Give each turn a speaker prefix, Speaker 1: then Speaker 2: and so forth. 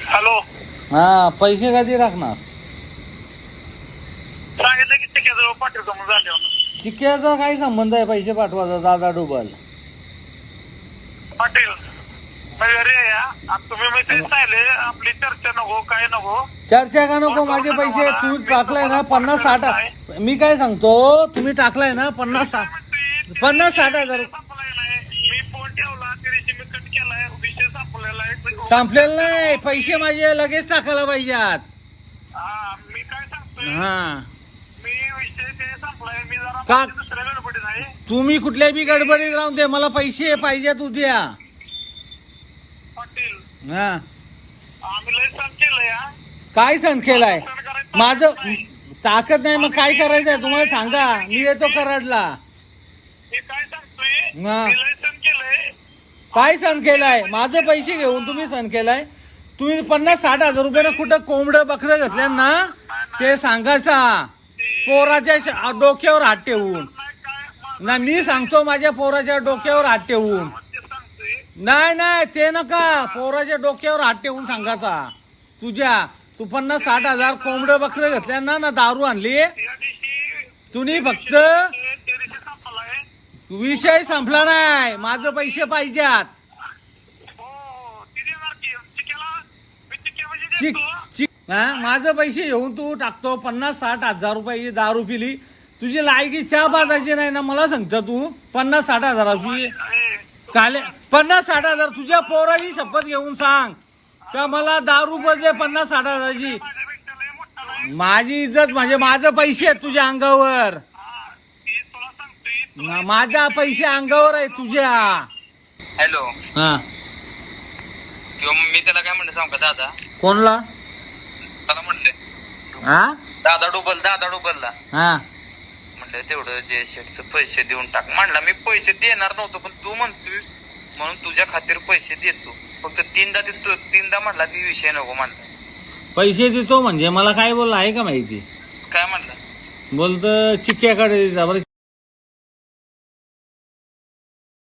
Speaker 1: Hello.
Speaker 2: हा पैसे कधी टाकणार?
Speaker 1: सांगितलं की चिक्याजवळ पाठवतो म्हणून झाल्यावर.
Speaker 2: चिक्क्याचा काय संबंध आहे पैसे पाठवायचा? दादा डुबल
Speaker 1: पाटील म्हणजे रे या आणि तुम्ही मी तेच सांगितले आपली चर्चा नको काय नको.
Speaker 2: चर्चा का नको? माझे पैसे तू टाकलाय ना 50-60. मी काय सांगतो, तुम्ही टाकलाय ना 50-60 हजार.
Speaker 1: मी फोन ठेवला त्या दिवशी मी कट केलाय विषय संपलेला आहे.
Speaker 2: संपलेलं नाही, पैसे माझे लगेच टाकायला पाहिजेत.
Speaker 1: मी काय सांगतोय
Speaker 2: हा
Speaker 1: मी विषय ते संपलाय. मी जरा
Speaker 2: का?
Speaker 1: दुसऱ्या गडबडीत आहे.
Speaker 2: तुम्ही कुठल्या बी गडबडीत राहून दे, मला पैसे पाहिजेत उद्या.
Speaker 1: पाटील
Speaker 2: हा
Speaker 1: आम्ही लय सण केलंय.
Speaker 2: काय सण केलाय? माझं ताकद नाही, मग काय करायचंय तुम्हाला सांगा, मी येतो कराडला.
Speaker 1: मी काय सांगतोय
Speaker 2: हा.
Speaker 1: मी लय सण केलंय.
Speaker 2: काय सण केलाय? माझे पैसे घेऊन तुम्ही सण केलाय. तुम्ही 50-60 हजार रुपयानं कुठं कोंबडं बकरं घेतल्या ना, ते सांगायचा पोराच्या डोक्यावर हात ठेवून. ना मी सांगतो माझ्या पोराच्या डोक्यावर हात ठेवून.
Speaker 1: ते सांगतोय
Speaker 2: नाही ते नका, पोराच्या डोक्यावर हात ठेवून सांगायचा. तू 50-60 हजार कोंबडं बकरं घेतल्या ना दारू आणली.
Speaker 1: त्या दिवशी
Speaker 2: तुम्ही फक्त
Speaker 1: त्या दिवशी संपलाय.
Speaker 2: विषय संपला नाही, माझं पैसे पाहिजेत.
Speaker 1: हो ती देणार की चिक्याला मी चिक्या म्हणजे
Speaker 2: चिक
Speaker 1: देतो.
Speaker 2: चिक हा माझं पैसे घेऊन तू टाकतो 50-60 हजार रुपये दारू पिली. तुझी लायकी चहा पाजायची नाही ना, मला सांगतो तू 50-60 हजाराची काले 50-60 हजार. तुझ्या पोराची शपथ घेऊन सांग का मला दारू पाहिजे 50-60 हजाराची.
Speaker 1: माझ्यापेक्षा लय मोठा नाही.
Speaker 2: माझी इज्जत म्हणजे माझं पैसे आहेत तुझ्या अंगावर.
Speaker 1: ती तुला सांगतोय
Speaker 2: माझ्या पैसे अंगावर आहे तुझ्या.
Speaker 3: हॅलो.
Speaker 2: हा
Speaker 3: किंवा मी त्याला काय म्हणलं सांग का दादा,
Speaker 2: कोणला?
Speaker 3: त्याला म्हणले
Speaker 2: हा
Speaker 3: दादा डुबलला
Speaker 2: हा
Speaker 3: म्हणलं तेवढं जे शेटचं पैसे देऊन टाक. म्हणला मी पैसे देणार नव्हतो, पण तू म्हणतोस म्हणून तुझ्या खातीर पैसे देतो. फक्त तीनदा म्हणला ती विषय नको म्हणला.
Speaker 2: पैसे देतो म्हणजे मला काय बोलला आहे का माहिती?
Speaker 3: काय म्हणला?
Speaker 2: बोलतं चिक्क्याकडे जा बरं.